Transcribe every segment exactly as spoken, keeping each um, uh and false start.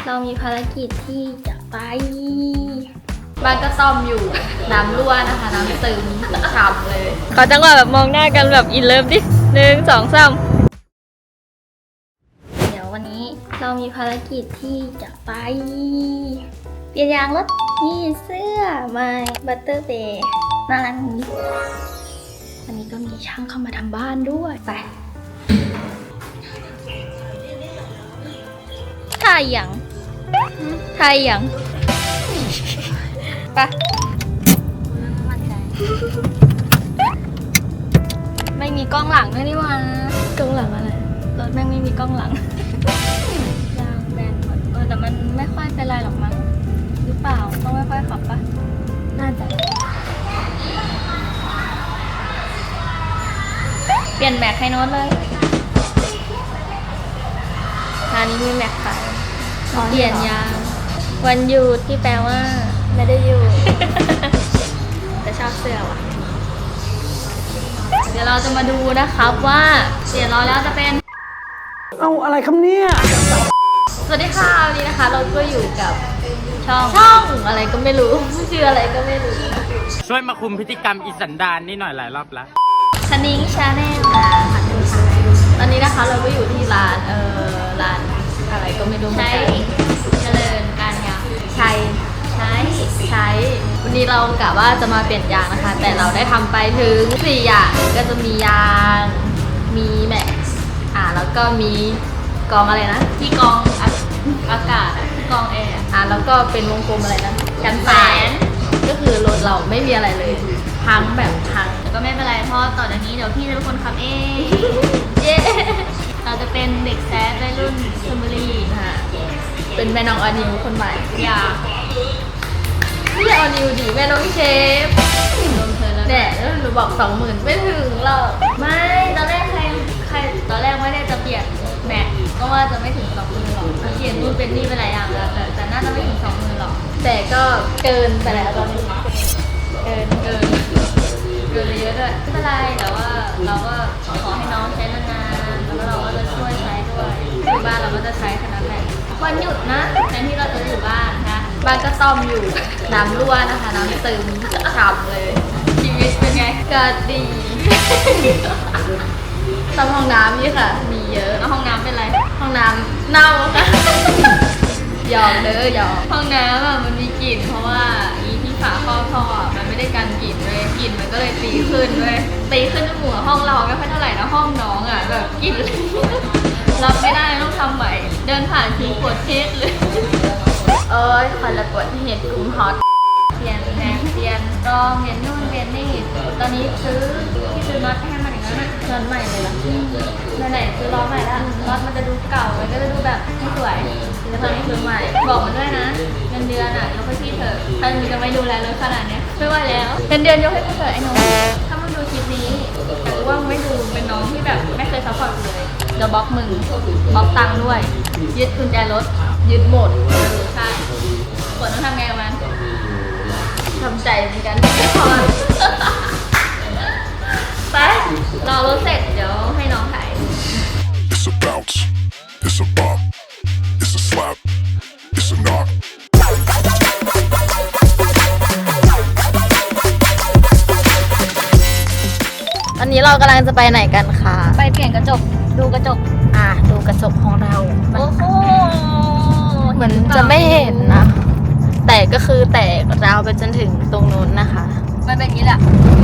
เรามีภารกิจที่จะไปบ้านก็ซ่อมอยู่น้ำรั่วนะคะน้ำซึมฉ่ำเลยขอจังหวะแบบมองหน้ากันแบบอินเลิฟดิหนึ่งสองสามเดี๋ยววันนี้เรามีภารกิจที่จะไปเปลี่ยนยางรถนี่เสื้อ My Butter Bay น่ารักนี้วันนี้ก็มีช่างเข้ามาทำบ้านด้วยไปถ่ายยังถ่ายยังไปไม่มีกล้องหลังด้วยนี่วะกล้องหลังอะไรรถแม่งไม่มีกล้องหลังยางแบนหมดเออแต่มันไม่ค่อยเป็นไรหรอกมั้งหรือเปล่าต้องไม่ค่อยขับปะน่าจะเปลี่ยนแม็กให้โน้ตเลยร้านนี้มีแม็กขายเปลี่ยนยางวันหยุดที่แปลว่าไม่ได้อยู่ แต่ชอบเสื้อว่ะเดี๋ยวเราจะมาดูนะครับว่าเสียล้อแล้วจะเป็นเอาอะไรครับเนี่ยสวัสดีค่ะวันนี้นะคะเราก็อยู่กับช่องช่องอะไรก็ไม่รู้ชื่ออะไรก็ไม่รู้ช่วยมาคุมพฤติกรรมอิสันดานนี่หน่อยหลายรอบแล้วคณิ้งชาแนลค่ะตอนนี้นะคะเราก็อยู่ที่ร้านเออร้านอะไรก็ไม่รู้ใช้เจริญการยางใช้ใช้ใช้วันนี้เรากะว่าจะมาเปลี่ยนยางนะคะแต่เราได้ทำไปถึงสี่อย่างก็จะมียางมีแม็กซ์อ่าแล้วก็มีกองอะไรนะที่กองอากาศที่กองแอร์อ่าแล้วก็เป็นวงกลมอะไรนะกันแสงก็คือรถเราไม่มีอะไรเลยพังแบบพังก็ไม่เป็นไรเพราะต่อจากนี้เดี๋ยวพี่จะเป็นคนขับเองเย้เราจะเป็นเด็กแซดในรุ่นซัมเบอรี่ค่ะเป็นแม่น้องอนิวคนใหม่อย่าไม่ใช่อนิวดิแม่น้องเชฟแน่แล้วหนูบอกสองหมื่นไม่ถึงหรอกไม่ตอนแรกใครใครตอนแรกไม่ได้จะเปลี่ยนแม็กก็ว่าจะไม่ถึงสองหมื่นหรอกเปลี่ยนนู่นเป็นนี่ไปหลายอย่างแล้วแต่แต่น่าจะไม่ถึงสองหมื่นหรอกแต่ก็เกินไปแล้วตอนนี้เกินเกินเกินเยอะด้วยไม่เป็นไรแต่ว่าเราก็ขอให้น้องใช้นานๆแล้วเราก็จะช่วยใช้ด้วยอยู่บ้านเราก็จะใช้ขนาดไหนวันหยุดนะแทนที่เราจะอยู่บ้านนะบ้านก็ซ่อมอยู่น้ำรั่วนะคะน้ำซึมฉ่ำเลยชีวิตเป็นไงก็ดีซ่อมห้องน้ำนี่ค่ะมีเยอะแล้วห้องน้ำเป็นไรห้องน้ำเน่าค่ะยอมเด้อยอมห้องน้ำอ่ะมันมีกลิ่นเพราะว่าอีที่ฝาครอบท่อมันไม่ได้กันกลิ่นเลยกลิ่นมันก็เลยตีขึ้นเลยตีขึ้นจมูกห้องเราไม่ค่อยเท่าไหร่นะห้องน้องอ่ะแบบกลิ่นรับไม่ได้ต้องทำใหม่เดินผ่านทีปวดเทสเลยเอ้ยคอยละปวดที่เห็นกลุ่มฮอตเปลี่ยนแนวเปลี่ยนกองเปลี่ยนนู่นเปลี่ยนนี่ตอนนี้ซื้อที่ซื้อน็อตให้มันอย่างนั้นนะน็อตใหม่เลยล่ะไหนๆซื้อล้อใหม่ละน็อตมันจะดูเก่ามันก็จะดูแบบไม่สวยแล้วตอนนี้ซื้อใหม่บอกมันด้วยนะเงินเดือนอ่ะยกให้พี่เถอะถ้ามึงจะไม่ดูแลรถขนาดนี้ไม่ไหวแล้วเงินเดือนยกให้พี่เถอะไอ้น้องถ้ามึงดูคลิปนี้แต่ว่ามึงไม่ดูเป็นน้องที่แบบไม่เคยซัพพอร์ตเลยเดี๋ยวบล็อกมึงบล็อกตังค์ด้วยยึดกุญแจรถยึดหมดเออใช่กดต้องทำไงกับมันทำใจเหมือนกันพอไปรอรถเสร็จเดี๋ยวให้น้องถ่าย It's a bounce, it's a bop, it's a slap, it's a knock. อันนี้เรากำลังจะไปไหนกันคะไปเปลี่ยนกระจกดูกระจกอ่ะดูกระจกของเราโอ้โหเหมือนจะไม่เห็นนะแต่ก็คือแตกราวไปจนถึงตรงนู้นนะคะมันเป็นอย่างนี้แหละ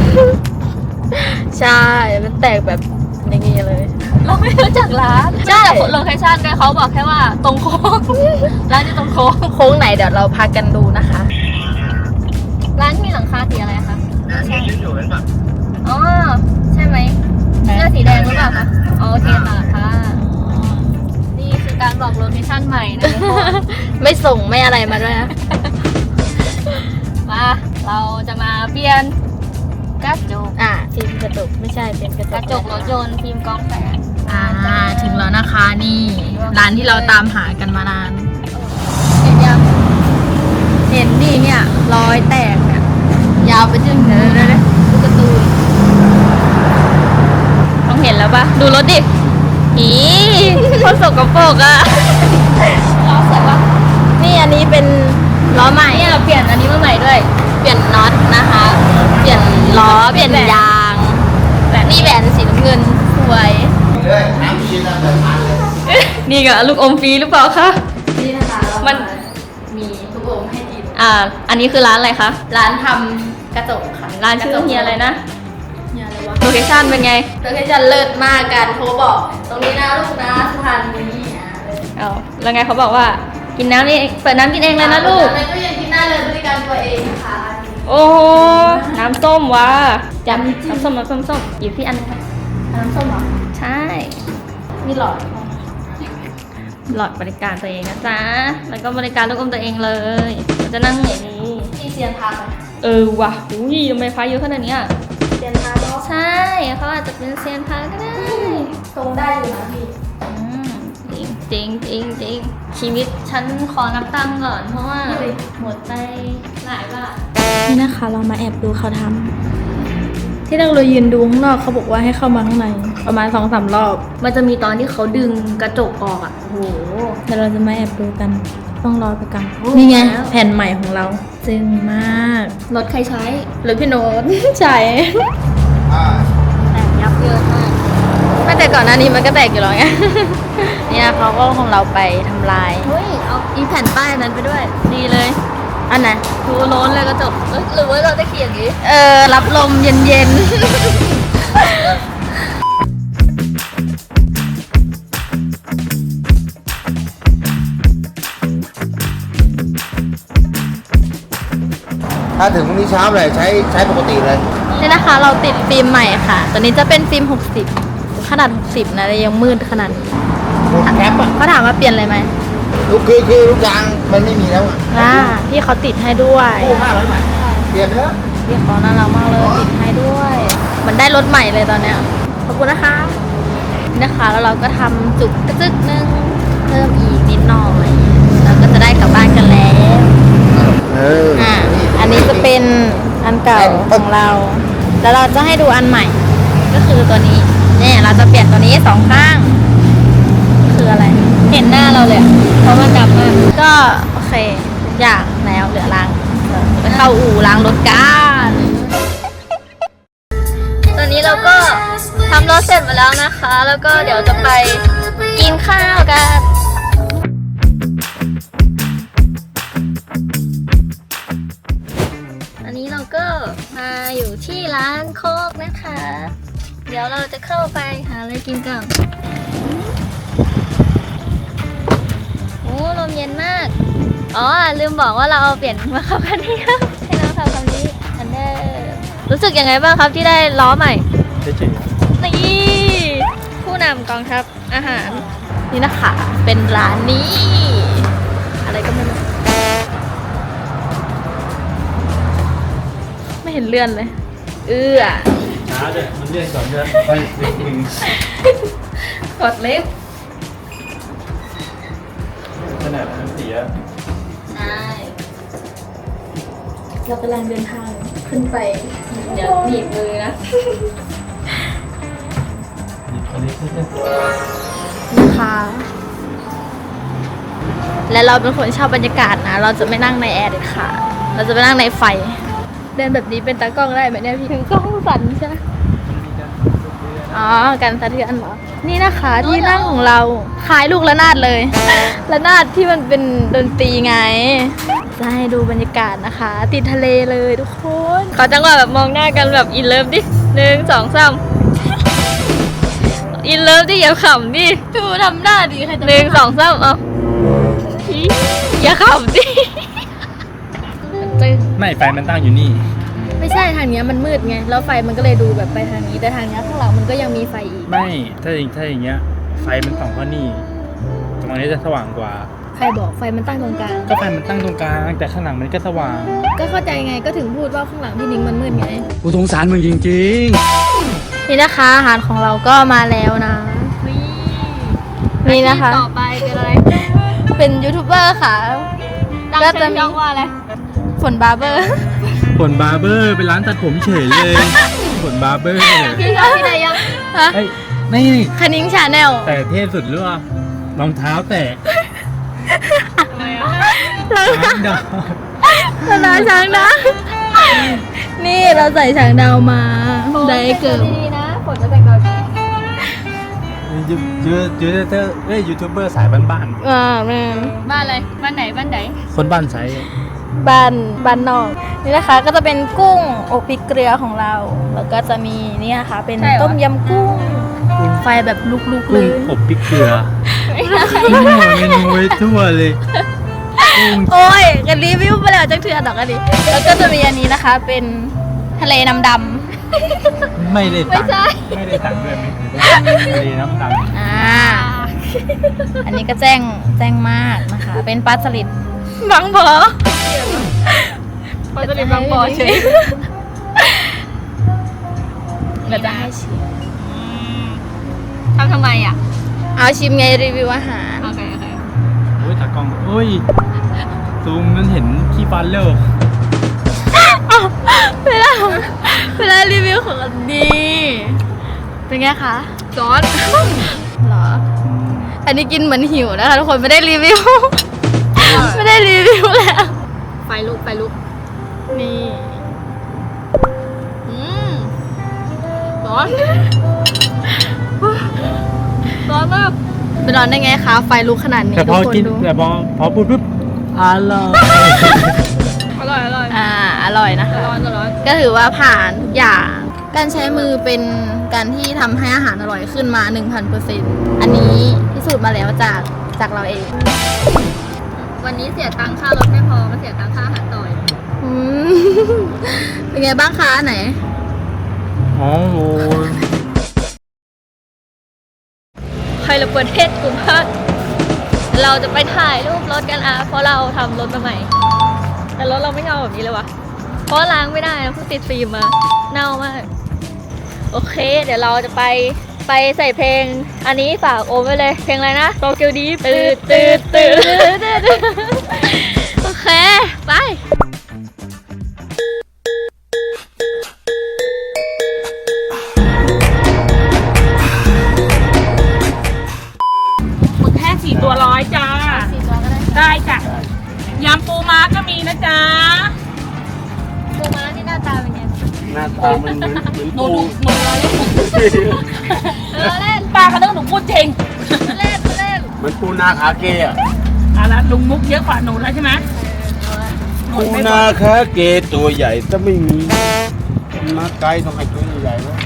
ใช่มันแตกแบบอย่างนี้เลยเราไม่รู้จักร้านใช่โลเคชั่นก็เขาบอกแค่ว่าตรงโค้งร้านอยู่ตรงโค้งโค้งไหนเดี๋ยวเราพากันดูนะคะร้านมีหลังคาสีอะไรคะใช่อ๋อใช่ไหมเสื้อสีแดงหรือเปล่าคะโอเคค่ะค่ะนี่คือการบอกโลเคชั่นใหม่นะไม่ส่งไม่อะไรมาด้วยนะมาเราจะมาเปลี่ยนกระจกอ่ะฟิล์มกระจกไม่ใช่เป็นกระจกกระจกรถยนต์ฟิล์มกองแสงอ่าถึงแล้วนะคะนี่ร้านที่เราตามหากันมานานเห็นยังเห็นดิเนี่ยรอยแตกเนี่ยยาวไปจนถึงเลยเลยดูการ์ตูนต้องเห็นแล้วปะดูรถดิอีโคตรสกปรกอ่ะล้อสวยปะเปลี่ยนอันนี้มาใหม่ด้วย เปลี่ยนน็อตนะคะ เปลี่ยนล้อ เปลี่ยนยางนี่แหวนสีน้ำเงินสวยเลยน้ำกินแล้วแบบพันเลยนี่ก็ลูกอมฟรีหรือเปล่าคะนี่นะคะมันมีลูกอมให้กินอ่า อันนี้คือร้านอะไรคะร้านทำกระจกค่ะร้านชื่อเฮียอะไรนะเนี่ยอะไรวะโลเคชั่นเป็นไงโลเคชั่นเลิศมากการโทรบอก ตรงนี้นะลูกนะสะพานนี้อ่ะเลยเอาแล้วไงเขาบอกว่ากินน้ำนี่เปิดน้ำกินเองเลยนะลูกในตู้เย็นกินได้เลยบริการตัวเองนะคะโอ้โหน้ำส้มว่ะจับน้ำส้มน้ำส้มส้มหยิบที่อันนึงค่ะน้ำส้มเหรอใช่มีหลอดหลอดบริการตัวเองนะจ๊ะ แล้วก็บริการลูกอมตัวเองเลยเราจะนั่งอย่างนี้ที่เซียนทางเออว่ะอุ้ยทำไมพายเยอะขนาดเนี้ยเซียนทางเนาะใช่เขาอาจจะเป็นเซียนพาก็ได้ตรงได้อยู่นะพี่อืมจริงจริงจริงจริงชีวิตฉันขอนับตังค์ก่อนเพราะว่าหมดไปหลายบาทนี่นะคะเรามาแอบดูเขาทำที่เราเลยยืนดูข้างนอกเขาบอกว่าให้เข้ามาข้างในประมาณสองสามรอบมันจะมีตอนที่เขาดึงกระจกออกอ่ะโอ้โหเดี๋ยวเราจะมาแอบดูกัน ต้องรอไปกันโอ้นี่ไงแล้วแผ่นใหม่ของเราจึงมากรถใครใช้หรือพี่โน้ต ใช่แต่งยับเยินมากไม่แต่ก่อนหน้านี้มันก็แตกอยู่แล้วไง เนี่ยเขาก็ของเราไปทำลายเฮ้ย เอาอีแผ่นป้ายนั้นไปด้วย ดีเลยอันไหนดูโล้นเลยกระจกเอ้ยหรือว่าเราจะเขียนอย่างนี้เออ รับลมเย็นๆถ้าถึงพรุ่งนี้เช้าเลยใช้ใช้ปกติเลยนี่นะคะเราติดฟิล์มใหม่ค่ะ ตัวนี้จะเป็นฟิล์มหกสิบขนาดหกสิบนะแต่ยังมืดขนาดนี้หมดแคปอ่ะเขาถามว่าเปลี่ยนอะไรไหมลูกคือคือลูกยางมันไม่มีแล้วอ่ะอ่าพี่เขาติดให้ด้วยกู้ห้าร้อยบาทเปลี่ยนเถอะพี่เขาน่ารักมากเลยติดให้ด้วย มันได้รถใหม่เลยตอนเนี้ยขอบคุณนะคะนี่นะคะแล้วเราก็ทำจุกกระจึกนึงเพิ่มอีกนิดหน่อยเราก็จะได้กลับบ้านกันแล้วเอออ่าอันนี้จะเป็นอันเก่าของเรา แล้วเราจะให้ดูอันใหม่ ก็คือตัวนี้เนี่ยเราจะเปลี่ยนตัวนี้สองข้าง คืออะไร เห็นหน้าเราเลยอะเพราะมันดำมาก ก็โอเคอย่างแล้วเหลือล้างไปเข้าอู่ล้างรถกันตอนนี้เราก็ทำรถเสร็จหมดแล้วนะคะ แล้วก็เดี๋ยวจะไปกินข้าวกัน อันนี้เราก็มาอยู่ที่ร้านโคกนะคะ เดี๋ยวเราจะเข้าไปหาอะไรกินกันโอ้ลมเย็นมาก อ๋อลืมบอกว่าเราเอาเปลี่ยนมาขับคันนี้ครับให้น้องขับคันนี้อันเดอร์รู้สึกยังไงบ้างครับที่ได้ล้อใหม่เฉยนี่ผู้นำกองทัพอาหาร นี่นะคะเป็นร้านนี้ อะไรก็ไม่รู้ไม่เห็นเลื่อนเลย เอื้อๆช้าเลยมันเลื่อนก่อนเลื่อนไปนิดนึงกดลิฟต์ขนาดมันเสียใช่เรากำลังเดินทางขึ้นไปเดี๋ยวหนีบมือนะนะคะ และเราเป็นคนชอบบรรยากาศนะ เราจะไม่นั่งในแอร์เด็ดขาดเราจะไปนั่งในไฟ เดินแบบนี้เป็นตากล้องได้ไหมเนี่ยพี่ถึงกล้องสั่นใช่ไหมอ๋อการสะเทือนเหรอ นี่นะคะที่นั่งของเราคล้ายลูกระนาดเลย ระนาดที่มันเป็นดนตรีไง จะให้ดูบรรยากาศนะคะ ติดทะเลเลยทุกคนขอจังหวะแบบมองหน้ากันแบบอินเลิฟดิหนึ่งสองสามอินเลิฟดิอย่าขำดิดูทำหน้าดีใครจะหนึ่งสองสามเอาอีอย่าขำดิจึงไม่ไฟมันตั้งอยู่นี่ไม่ใช่ทางเนี้ยมันมืดไง แล้วไฟมันก็เลยดูแบบไปทางนี้ แต่ทางเนี้ยข้างหลังมันก็ยังมีไฟอีกไม่ ถ้าอย่างถ้าอย่างเงี้ย ไฟมันส่องเข้านี่ ตรงนี้จะสว่างกว่าใครบอกไฟมันตั้งตรงกลางก็ไฟมันตั้งตรงกลาง แต่ข้างหลังมันก็สว่างก็เข้าใจไง ก็ถึงพูดว่าข้างหลังพี่นิ้งมันมืดไงกูสงสารมึงจริงนี่นะคะอาหารของเราก็มาแล้วนะ นี่นะคะต่อไปเป็นอะไรเป็นยูทูบเบอร์ค่ะตั้งก็ชื่จะอมีช่องว่าอะไรฝนบาร์เบอร์ๆผลบาร์เบอร์เป็นร้านตัดผมเฉยเลยผลบาร์เบอร์พี่ชอบที่ไหนยังฮะเฮ้ยนี่คณิ้งชาแนลแต่เทพสุดหรือว่ารองเท้าแตะเราน้ำดอกฮตลาดช้างดาวนี่เราใส่ช้างดาวมาได้เกิดดีๆนะฝนจะแต่งดาวดียูยูยูทูบเบอร์เอ้ยยูทูบเบอร์สายบ้านอ่าแม่นบ้านอะไรบ้านไหนบ้านไหนๆคนบ้านใช้บ้านบ้านนอกนี่นะคะก็จะเป็นกุ้งอบพริกเกลือของเรา แล้วก็จะมีนี่นะคะเป็นต้มยำกุ้งไฟแบบลุกๆเลกุ้งยอบพริกเกลือมั่วเมนูไว้ทั่วเลยกุ้งโอ้ยกันรีวิวไปแล้วจังเถื่อนดอกกันดิแล้วก็จะมีอันนี้นะคะเป็นทะเลน้ำดไม่ได้ตังค์ไม่ได้ตังค์ด้วยไหมทะเลน้ำดำำอ่าอันนี้ก็แจ้งแจ้งมากนะคะ เป็นปลาสลิดบางบ่อปลาสลิดบางบ่อเฉยเราจะให้ชิมทำทำไมอ่ะเอาชิมไงรีวิวอาหารโอเคโอเคโอ้ยตากล้องโอ้ยซูมนั้นเห็นขี้ฟันแล้วเวลาเวลารีวิวของอันดีเป็นไงคะซอสเหรอ อันนี้กินเหมือนหิวนะคะทุกคนไม่ได้รีวิว ไม่ได้รีวิวแล้วไฟลุกไฟลุกนี่อืมร้อนร้อนมากไปนอนได้ไงคะไฟลุกขนาดนี้แต่พทุอกคนกินดูแต่พอพอพูดปุ๊บอร่อยอร่อยอร่อยอ่าอร่อยนะคะร้อนร้อนก็ถือว่าผ่านทุกอย่าง การใช้มือเป็นการที่ทำให้อาหารอร่อยขึ้นมา หนึ่งพันเปอร์เซ็นต์ อันนี้พิสูจน์มาแล้วจากจากเราเองวันนี้เสียตังค่ารถไม่พอมาเสียตังค่าอาหารต่อยอืม เป็นไงบ้างคะอันไหนอ๋อโอ้ยใครละประเทศกลุ่มภาคเราจะไปถ่ายรูปรถกันอ่ะเพราะเราทำรถมาใหม่ แต่รถเราไม่เงาแบบนี้เลยวะเพราะล้างไม่ได้นะเพิ่งติดฟิล์มมาเน่ามากโอเค เดี๋ยวเราจะไปไปใส่เพลง อันนี้ฝากโอมไว้เลยเพลงอะไรนะโตเกียวดีตื่นตื่นตื่นโอเคไปหมึกแห้งสี่ตัวร้อยจ้าสี่ตัวก็ได้ได้จ้ะ ยำปูม้าก็มีนะจ๊ะปูม้าที่หน้าตาเป็นไงหน้าตามันเหมือนเหมือนหนูปูหนูหนูเราเล่นเออเล่นป้าเขาเรื่องหนูพูดจริงเล่นเล่นเหมือนปูนาขาเกอะเอ่ะละลุงมุกเยอะกว่าหนูแล้วใช่ไหมหนูปูไม่บนาอกขาเกตัวใหญ่แต่ไม่มีมาไกลต้องให้ตัวใหญ่ๆวะ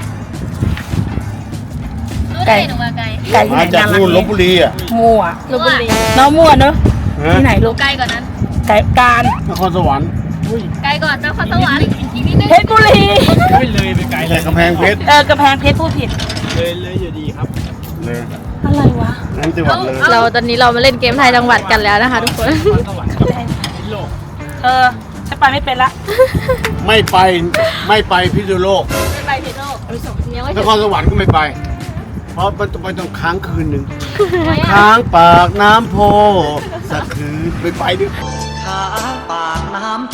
รู้ได้หนูมาไกลไก่ที่ไหมาน จากน่ารันู่นลบกบุรีอ่ะมั่วลพบุรีน้องมั่วเนอะฮะที่ไหนลูกไกลกว่านั้นไก่การนครสวรรค์ไกลก่อนนครสวรรค์อีกนิดนึงเพชรบุรีไม่เลยไปไกลเลแต่ยกำแพงเพชรเออกระแพงเพชรพูดผิดเลยเลยอยู่ดีครับเลยอะไรวะนั่นจังหวัดเลยเราตอนนี้เรามาเล่นเกมไทยจังหวัดกันแล้วนะคะทุกคนสวรรค์กับพิโลกเออจะไปไม่เป็นละไม่ไปไม่ไปพิษณุโลกไม่ไปพิษณุโลกยังไม่นถึงครสวรรค์ก็ไม่ไป เพราะมันต้องไปต้องค้างคืนหนึ่งไม่อะค้างปากน้ำโพสักคืนไปไปดิค้างปากน้ำโพ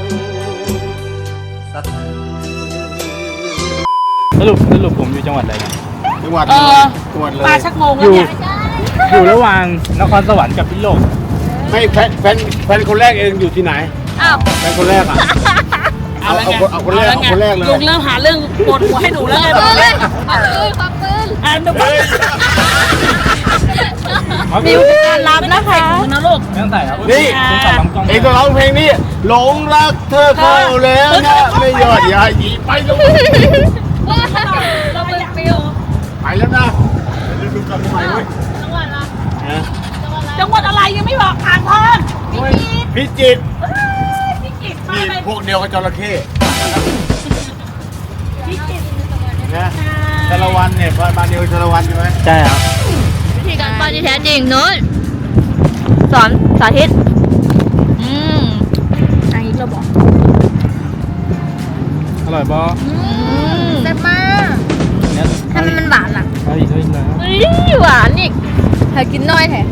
สักคืนสรุปสรุปผมอยู่จังหวัดอะไรกันจังหวัดเอเลยอจังหวัดเลยป้าชักงงอแล้วยู่เนี่ยอยู่ระหว่างนครสวรรค์กับพิโลกไม่แฟนแฟนแฟนคนแรกเองอยู่ที่ไหนอ้าวแฟนคนแรกอ่ะ เอาเอาคนเอาคนแรกเอาคนแรกเลยลุงเริ่มหาเรื่องปวดหัวให้หนูแล้วไงปืนเลยควักปืนควักปืนอ่ะหนูก็มิวการรับนะคะหนูนะลูกไม่ต้องใส่ครับนี่คุณตัดลำกล้องเองก็ร้องเพลงนี้หลงรักเธอเข้าแล้วนะไม่ยอดอย่าหยีไปลงว้าเราปืนปิวไปแล้วนะเดี๋ยวดูกันใหม่เว้ยจังหวัดละนะจังหวัดอะไรยังไม่บอกอ่างทองพิจิตรพิจิตรมานี่เลยพวกเดียวกับจระเข้พิจิตรนะชาละวันเนี่ยบ้านเดียวกับชาละวันใช่ไหมใช่ครับวิธีการปั้นที่แท้จริงนู้นสอนสาธิตอืมอันนี้เราบอกอร่อยบอแซ่บมากเนี่ยทำไมมันหวานล่ะเอาอีกเอาอีกหน่อยครับเฮ้ยหวานอีกเธอกินน้อยแท้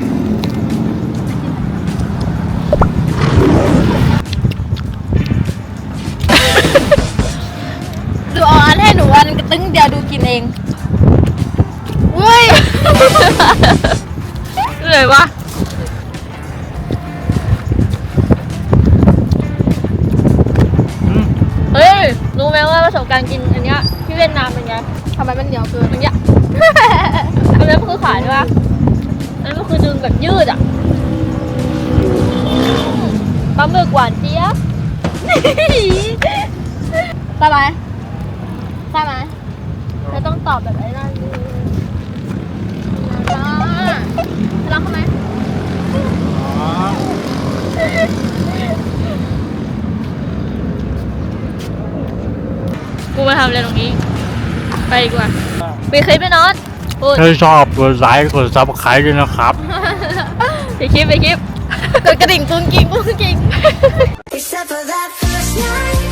ดูเอาอันให้หนูอันกระตึ้งเดียวดูกินเองเว้ยเลยวะไหมว่าประสบการณ์กินอันเนี้ยที่เวียดนามเป็นไงทำไมมันเหนียวเกินอย่างเงี้ย อันนี้มันคือขายใช่ปะอันนี้มันคือดึงแบบยืดอ่ะปลาหมึกหวานเจี๊ยบ ใช่ไหมใช่ไหมเธอต้องตอบแบบไอ้นั่นจ้ารักเขาไหม กูมาทำอะไรตรงนี้ ไปดีกว่าไปคลิปไปนอนพูดถ้าชอบกดไลค์กดซับสไครต์ด้วยนะครับไปคลิปไปคลิปกดกระดิ่งกุ้งกิ้งกุ้งกิ้ง Except for that first night